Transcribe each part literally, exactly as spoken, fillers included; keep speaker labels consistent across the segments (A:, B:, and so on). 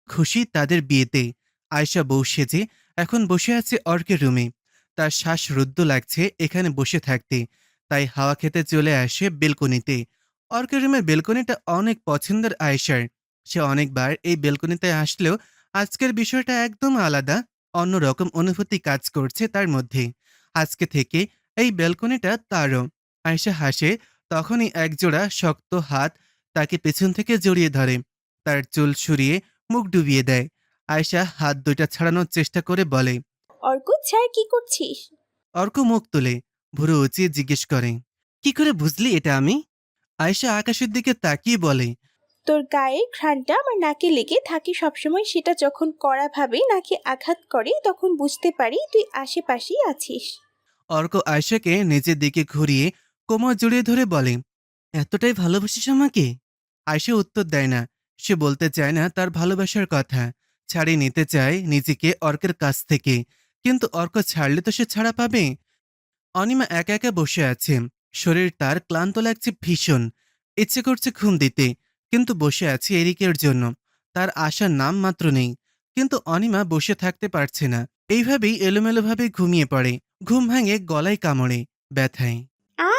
A: খুশি তাদের বিয়েতে। আয়শা বউ সেজে এখন বসে আছে অর্কের রুমে। তার শ্বাস রুদ্ধ লাগছে এখানে বসে থাকতে, তাই হাওয়া খেতে চলে আসে বেলকনিতে। অর্কের রুমের বেলকনিটা অনেক পছন্দের আয়েশার। সে অনেকবার এই বেলকনিতে আসলেও আজকের বিষয়টা একদম আলাদা, অন্যরকম অনুভূতি কাজ করছে তার মধ্যে। আজকে থেকে এই বেলকনিটা তারও। আয়েশা হাসে, তখনই একজোড়া শক্ত হাত তাকে পেছন থেকে জড়িয়ে ধরে, তার চুল সরিয়ে মুখ ডুবিয়ে দেয়। আয়েশা হাত দুইটা ছাড়ানোর চেষ্টা করে বলে।
B: অর্ক ছাড়, কি করছিস?
A: অর্ক মুখ তুলে ভুরু উঁচিয়ে জিজ্ঞেস করে, কি করে বুঝলি এটা আমি? আয়েশা আকাশের দিকে তাকিয়ে বলে,
B: তোর গায়ের ঘ্রাণটা আমার নাকে লেগে থাকে সবসময়, সেটা যখন কড়াভাবে নাকে আঘাত করে তখন বুঝতে পারি তুই আশেপাশেই আছিস।
A: অর্ক আয়েশাকে নিজের দিকে ঘুরিয়ে কোমর জড়িয়ে ধরে বলে, এতটাই ভালোবাসিস আমাকে? আয়েশা উত্তর দেয় না। সে বলতে চায় না তার ভালোবাসার কথা, ছাড়িয়ে নিতে চায় নিজেকে অর্কের কাছ থেকে। কিন্তু অর্ক ছাড়লে তো সে ছাড়া পাবে। অনিমা একা একা বসে আছে। শরীর তার ক্লান্ত লাগছে ভীষণ। ইচ্ছে করছে ঘুম দিতে, কিন্তু বসে আছে এরিকের জন্য। তার আসার নাম মাত্র নেই। কিন্তু অনিমা বসে থাকতে পারছে না। এইভাবেই এলোমেলোভাবে ঘুমিয়ে পড়ে। ঘুম ভাঙে গলায় কামড়ে, ব্যথায়
B: আ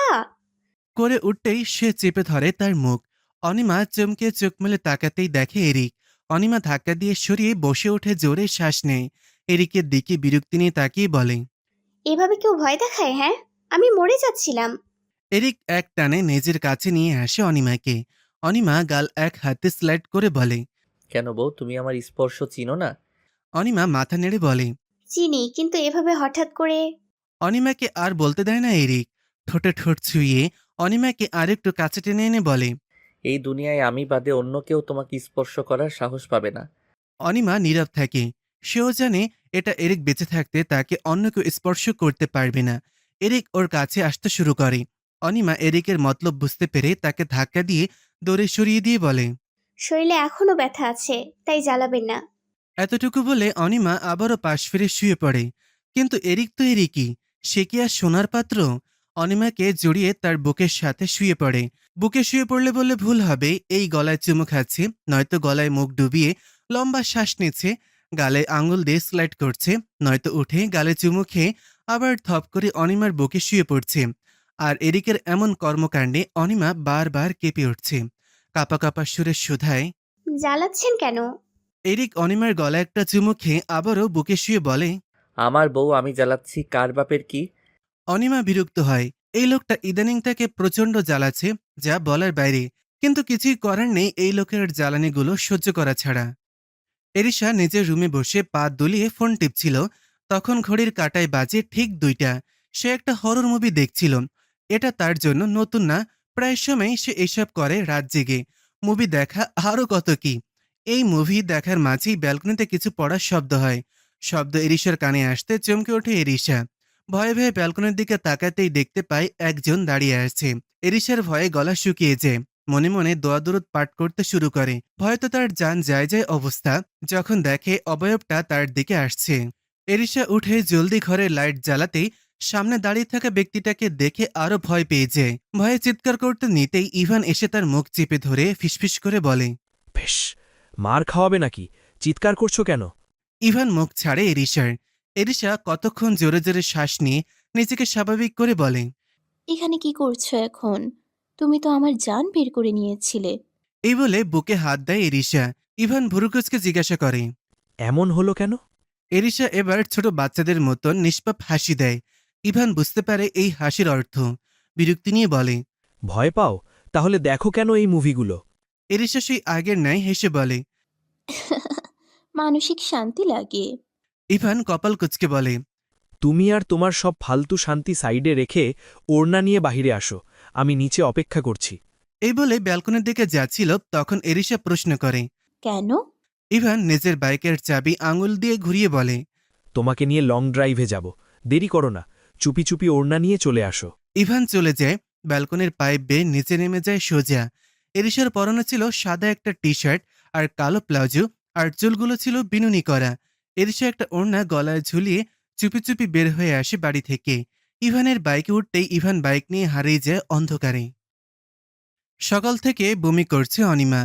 A: করে উঠতেই সে চেপে ধরে তার মুখ। অনিমা চমকে চোখ মেলে তাকাতেই দেখে এরিক। অনিমা ধাক্কা দিয়ে সরিয়ে বসে উঠে জোরে শ্বাস নেয়। এরিকের দিকে বিরক্তি নিয়ে তাকিয়ে বলে,
B: এভাবে কেউ ভয় দেখায়? হ্যাঁ, আমি মরে যাচ্ছিলাম।
A: এরিক এক টানে নিজের কাছে নিয়ে আসে অনিমাকে। অনিমা গাল এক হাতে স্লাইড করে বলে,
C: কেন বউ, তুমি আমার স্পর্শ চিনো না?
A: অনিমা মাথা নেড়ে বলে।
B: চিনি, কিন্তু এভাবে হঠাৎ করে।
A: অনিমাকে আর বলতে দেয় না এরিক। ঠোঁটে ঠোঁট ছুঁয়ে অনিমাকে আরেকটু কাছে টেনে এনে বলে,
C: এই দুনিয়ায় আমি বাদে অন্য কেউ তোমাকে স্পর্শ করার সাহস পাবে না।
A: অনিমা নীরব থাকে। সেও জানে এটা এরিক বেঁচে থাকতে তাকে অন্য কেউ স্পর্শ করতে পারবে না। এরিক ওর কাছে আসতে শুরু করে। অনিমা এরিকের মতলব বুঝতে পেরে তাকে ধাক্কা দিয়ে দৌড়ে সরিয়ে দিয়ে বলে,
B: শরীরে এখনো ব্যথা আছে, তাই জ্বালাবেন না।
A: এতটুকু বলে অনিমা আবারও পাশ ফিরে শুয়ে পড়ে। কিন্তু এরিক তো এরিকই, সে কি আর সোনার পাত্র? অনিমাকে জড়িয়ে তার বুকের সাথে শুয়ে পড়ে। বুকে শুয়ে পড়লে বললে ভুল হবে, এই গলায় চুমু খাচ্ছে, নয়তো গলায় মুখ ডুবিয়ে লম্বা শ্বাস নিচ্ছে, গালে আঙুল দিয়ে স্লাইড করছে, নয়তো উঠে গালে চুমু খেয়ে আবার থপ করে অনিমার বুকে শুয়ে পড়ছে। আর এরিকের এমন কর্মকাণ্ডে অনিমা বারবার কেঁপে উঠছে। কাপা কাপা সুরে শুধায়।
B: জ্বালাচ্ছেন কেন?
A: এরিক অনিমার গলায় একটা চুমু খেয়ে আবারও বুকে শুয়ে বলে।
C: আমার বউ আমি জ্বালাচ্ছি, কার বাপের কি?
A: অনিমা বিরক্ত হয়। এই লোকটা ইদানিং তাকে প্রচণ্ড জ্বালাচ্ছে, যা বলার বাইরে। কিন্তু কিছুই করার নেই এই লোকের জ্বালানিগুলো সহ্য করা ছাড়া। এরিশা নিজের রুমে বসে পা দুলিয়ে ফোন টিপছিল। তখন ঘড়ির কাঁটায় বাজে ঠিক দুইটা। সে একটা হরর মুভি দেখছিল। এটা তার জন্য নতুন না, প্রায় সময় সে এসব করে রাত জেগে। মুভি দেখা আরও কত কি। এই মুভি দেখার মাঝেই ব্যালকনিতে কিছু পড়ার শব্দ হয়। শব্দ এরিশার কানে আসতে চমকে ওঠে এরিশা। ভয়ে ভয়ে ব্যালকনির দিকে তাকাতেই দেখতে পায় একজন দাঁড়িয়ে আছে। এরিশার ভয়ে গলা শুকিয়ে যায়। মনে মনে দোয়া দরুদ পাঠ করতে শুরু করে। ভয়তো তার জান যায় যায় অবস্থা যখন দেখে অবয়বটা তার দিকে আসছে। এরিশা উঠে জলদি ঘরে লাইট জ্বালাতেই সামনে দাঁড়িয়ে থাকা ব্যক্তিটাকে দেখে আরো ভয় পেয়ে যায়। ভয়ে চিৎকার করতে নিতেই ইভান এসে তার মুখ চেপে ধরে ফিসফিস করে বলে,
D: বেশ, মার খাওয়াবে নাকি? চিৎকার করছো কেন?
A: ইভান মুখ ছাড়ে এরিশার। এরিশা কতক্ষণ জোরে জোরে শ্বাস নিয়ে নিজেকে স্বাভাবিক করে বলে,
E: এখানে কি করছো এখন? তুমি তো আমার জান বের করে নিয়েছিলে।
A: এই বলে বুকে হাত দেয় এরিশা। ইভান ভুরুকুচকে জিজ্ঞাসা করে,
D: এমন হলো কেন?
A: এরিশা এবার ছোট বাচ্চাদের মতন নিষ্পাপ হাসি দেয়। ইভান বুঝতে পারে এই হাসির অর্থ। বিরক্তি নিয়ে বলে,
D: ভয় পাও? তাহলে দেখো কেন এই মুভিগুলো?
A: এরিশা সেই আগের ন্যায় হেসে বলে।
E: মানসিক শান্তি লাগে।
A: ইভান কপাল কুচকে বলে,
D: তুমি আর তোমার সব ফালতু শান্তি সাইডে রেখে ওড়না নিয়ে বাহিরে আসো, আমি নিচে অপেক্ষা করছি।
A: এই বলে ব্যালকনির দিকে যাচ্ছিল তখন এরিশা প্রশ্ন করে।
E: কেন?
A: ইভান নিজের বাইকের চাবি আঙুল দিয়ে ঘুরিয়ে বলে,
D: তোমাকে নিয়ে লং ড্রাইভে যাব, দেরি করো না, চুপি চুপি ওড়না নিয়ে চলে আসো।
A: ইভান চলে যায়। ব্যালকনির পাইপ বেয়ে নিচে নেমে যায় সোজা। এরিশার পরনে ছিল সাদা একটা টি শার্ট আর কালো প্লাজো, আর চুলগুলো ছিল বিনুনি করা। এরিশা একটা ওড়না গলায় ঝুলিয়ে চুপি চুপি বের হয়ে আসে বাড়ি থেকে। ইভানের বাইকে উঠতেই ইভান বাইক নিয়ে হারিয়ে যায় অন্ধকারে। সকাল থেকে বমি করছে অনিমা।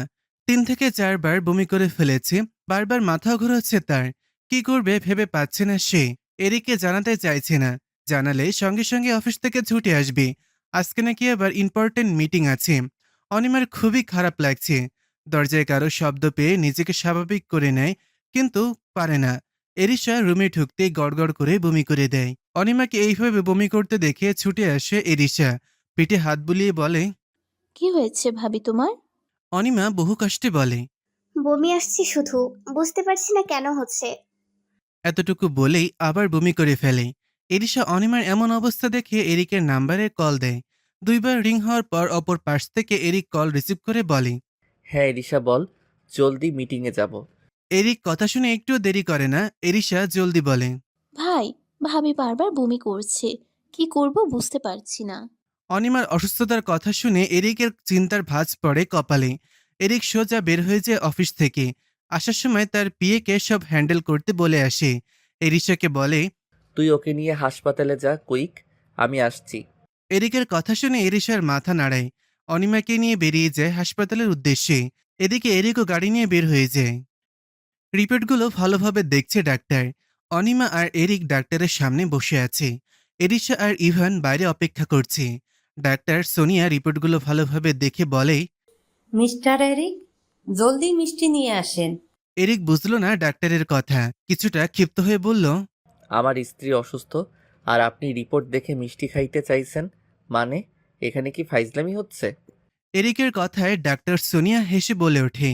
A: তিন থেকে চারবার বমি করে ফেলেছে, বারবার মাথা ঘোরাচ্ছে তার। কি করবে ভেবে পাচ্ছে না সে। এরিককে জানাতে চাইছে না, জানালে সঙ্গে সঙ্গে অফিস থেকে ছুটে আসবে। আজকে নাকি আবার ইম্পর্টেন্ট মিটিং আছে। অনিমার খুবই খারাপ লাগছে। দরজায় কারো শব্দ পেয়ে নিজেকে স্বাভাবিক করে নেয়, কিন্তু পারে না। এরিশা রুমে ঢুকতেই গড়গড় করে বমি করে দেয়। অনিমাকে এইভাবে বমি করতে দেখে ছুটে আসে এরিশা, পিঠে হাত বুলিয়ে বলে।
E: কি হয়েছে ভাবি তোমার?
A: অনিমা বহু কষ্টে বলে।
F: বমি আসছে শুধু, বুঝতে পারছি না কেন হচ্ছে।
A: এতটুকু বলেই আবার বমি করে ফেলে। এরিশা অনিমার এমন অবস্থা দেখে এরিকের নাম্বারে কল দেয়। দুইবার রিং হওয়ার পর অপর পাশ থেকে এরিক কল রিসিভ করে বলে।
C: হ্যাঁ এরিশা বল, জলদি মিটিংয়ে যাব।
A: এরিক কথা শুনে একটুও দেরি করে না, এরিশা জলদি বলে।
E: ভাই, ভাবি বারবার বমি করছে, কি করব বুঝতে পারছি না।
A: অনিমার অসুস্থতার কথা শুনে এরিকের চিন্তার ভাঁজ পড়ে কপালে। এরিক সোজা বের হয়ে যায় অফিস থেকে। আসার সময় তার পিএকে সব হ্যান্ডেল করতে বলে আসে। এরিশাকে বলে।
C: তুই ওকে নিয়ে হাসপাতালে যা কুইক, আমি আসছি।
A: এরিকের কথা শুনে এরিশার মাথা নাড়ায়। অনিমাকে নিয়ে বেরিয়ে যায় হাসপাতালের উদ্দেশ্যে। এদিকে এরিকও গাড়ি নিয়ে বের হয়ে যায়। রিপোর্টগুলো ভালোভাবে দেখছে ডাক্তার। অনিমা আর এরিক ডাক্তারের সামনে বসে আছে। এরিশা আর ইভান বাইরে অপেক্ষা করছে। ডাক্তার সোনিয়া রিপোর্টগুলো ভালোভাবে দেখে বলে।
G: মিস্টার এরিক, জলদি মিষ্টি নিয়ে আসেন।
A: এরিক বুঝলো না ডাক্তারের কথা, কিছুটা ক্ষিপ্ত হয়ে বলল।
C: আমার স্ত্রী অসুস্থ আর আপনি রিপোর্ট দেখে মিষ্টি খাইতে চাইছেন, মানে এখানে কি ফাইজলামি হচ্ছে?
A: এরিকের কথায় ডাক্তার সোনিয়া হেসে বলে ওঠে।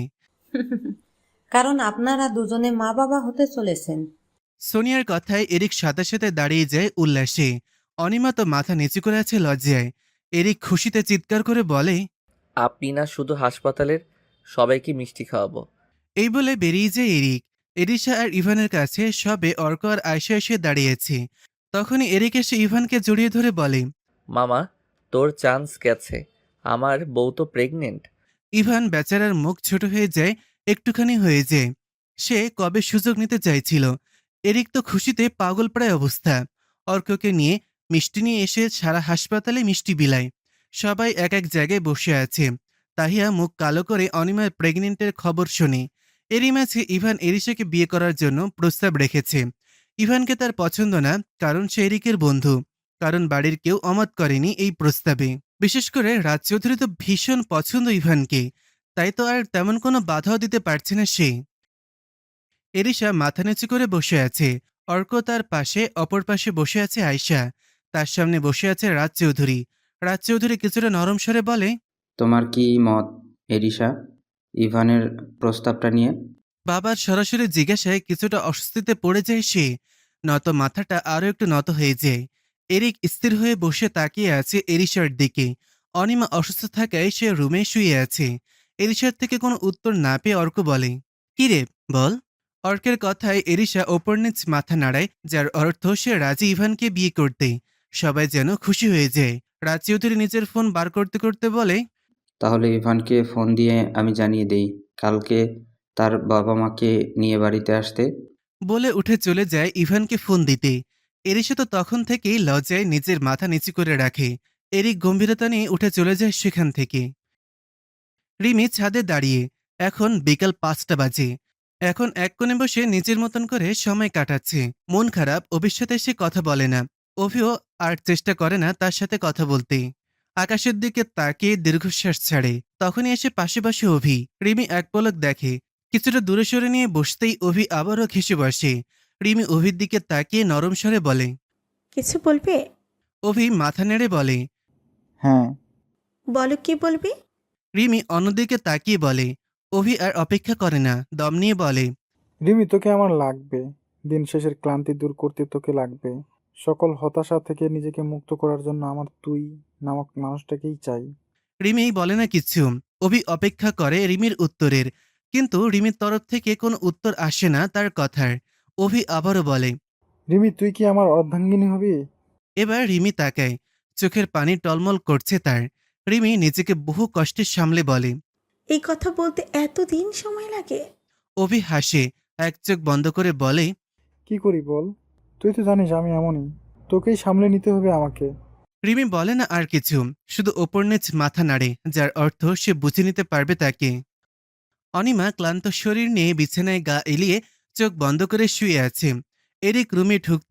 G: কারণ আপনারা দুজনে মা বাবা হতে চলেছেন।
A: সোনিয়ার কথায় এরিক সাথে সাথে দাঁড়িয়ে যায় উল্লাসে। অনিমা তো মাথা নিচু করে আছে লজ্জায়। এরিক খুশিতে চিৎকার করে বলে।
C: আপনি না শুধু হাসপাতালের সবাইকে মিষ্টি খাওয়াবো।
A: এই বলে বেরিয়ে যায় এরিক। এরিশা আর ইভানের কাছে সবে অর্ক আর আয়সা এসে দাঁড়িয়েছে। তখনই এরিক এসে ইভানকে জড়িয়ে ধরে বলে।
C: মামা, তোর চান্স গেছে, আমার বউ তো প্রেগনেন্ট।
A: ইভান বেচারার মুখ ছোট হয়ে যায়, একটুখানি হয়ে যায়। সে কবে সুযোগ নিতে চাইছিল। এরিক তো খুশিতে পাগল প্রায় অবস্থা। অর্ককে নিয়ে মিষ্টি নিয়ে এসে সারা হাসপাতালে মিষ্টি বিলায়। সবাই এক এক জায়গায় বসে আছে। তাহিয়া মুখ কালো করে অনিমার প্রেগনেন্টের খবর শোনে। এরই মাঝে ইভান এরিশাকে বিয়ে করার জন্য প্রস্তাব রেখেছে। ইভানকে তার পছন্দ না, কারণ সে এরিকের বন্ধু। কারণ বাড়ির কেউ অমত করেনি এই প্রস্তাবে। বিশেষ করে রাজ চৌধুরী তো ভীষণ পছন্দ ইভানকে, তাই তো আর তেমন কোনো বাধাও দিতে পারছে না সে। এরিশা মাথা নিচু করে বসে আছে। অর্ক তার পাশে, অপর পাশে বসে আছে আয়শা। তার সামনে বসে আছে রাজ চৌধুরী। রাজ চৌধুরী কিছুটা নরম স্বরে বলে।
H: তোমার কি মত এরিশা ইভানের প্রস্তাবটা নিয়ে?
A: বাবার সরাসরি জিজ্ঞাসায় কিছুটা অস্বস্তিতে পড়ে যায় সে। নত মাথাটা আরো একটু নত হয়ে যায়। এরিক স্থির হয়ে বসে তাকিয়ে আছে এরিশার দিকে। অনিমা অসুস্থ থাকায় সে রুমে শুয়ে আছে। এরিশার থেকে কোনো উত্তর না পেয়ে অর্ক বলে। কি রে, বল। অর্কের কথায় এরিশা ওপর নিচ মাথা নাড়ায়, যার অর্থ সে রাজি ইভানকে বিয়ে করতে। সবাই যেন খুশি হয়ে যায়। রাজ চৌধুরী নিজের ফোন বার করতে করতে বলে।
H: তাহলে ইভানকে ফোন দিয়ে আমি জানিয়ে দেই কালকে তার বাবা মাকে নিয়ে বাড়িতে আসতে।
A: বলে উঠে চলে যায় ইভানকে ফোন দিতে। এরিশা তো তখন থেকেই লজ্জায় নিজের মাথা নিচু করে রাখে। এরিক গম্ভীরতা নিয়ে উঠে চলে যায় সেখান থেকে। রিমি ছাদে দাঁড়িয়ে। এখন বিকাল পাঁচটা বাজে। এখন এক কোণে বসে নিজের মতন করে সময় কাটাচ্ছে। মন খারাপ, অভির সাথে সে কথা বলে না। অভিও আর চেষ্টা করে না তার সাথে কথা বলতে। আকাশের দিকে তাকিয়ে দীর্ঘশ্বাস ছাড়ে। তখনই এসে পাশে বসে অভি। রিমি এক পলক দেখে। কিছুটা দূরে সরে নিয়ে বসতেই অভি আবারও ঘেঁষে বসে। রিমি অভির দিকে তাকিয়ে নরম স্বরে বলে।
B: কিছু বলবে?
A: অভি মাথা নেড়ে বলে।
I: হ্যাঁ।
B: বলো কি বলবে।
A: রিমি অন্যদিকে তাকিয়ে বলে। অভি আর অপেক্ষা করে না, দম নিয়ে বলে।
I: রিমি, তোকে আমার লাগবে। দিন শেষের ক্লান্তি দূর করতে তোকে লাগবে। সকল হতাশা থেকে নিজেকে মুক্ত করার জন্য আমার তুই নামক মানুষটাকেই চাই।
A: রিমি বলে না কিছু। অভি অপেক্ষা করে রিমির উত্তরের, কিন্তু রিমির তরফ থেকে কোনো উত্তর আসে না তার কথার। অভি আবারও বলে।
I: রিমি, তুই কি আমার অর্ধাঙ্গিনী হবি?
A: এবার রিমি তাকায়। চোখের পানি টলমল করছে তার। রিমি নিজেকে বহু কষ্টে সামলে বলে।
B: এই কথা বলতে এতদিন সময় লাগে?
A: অভি হাসে, এক চোখ বন্ধ করে বলে।
I: কি করি বল? তুই তো জানিস আমি এমনই। তোকেই সামলে নিতে হবে আমাকে।
A: রিমি বলে না আর কিছু, শুধু ওপর নিচ মাথা নাড়ে, যার অর্থ সে বুঝে নিতে পারবে তাকে। অনিমা ক্লান্ত শরীর নিয়ে বিছানায় গা এলিয়ে চোখ বন্ধ করে শুয়ে আছে। এরিক রুমে ঢুক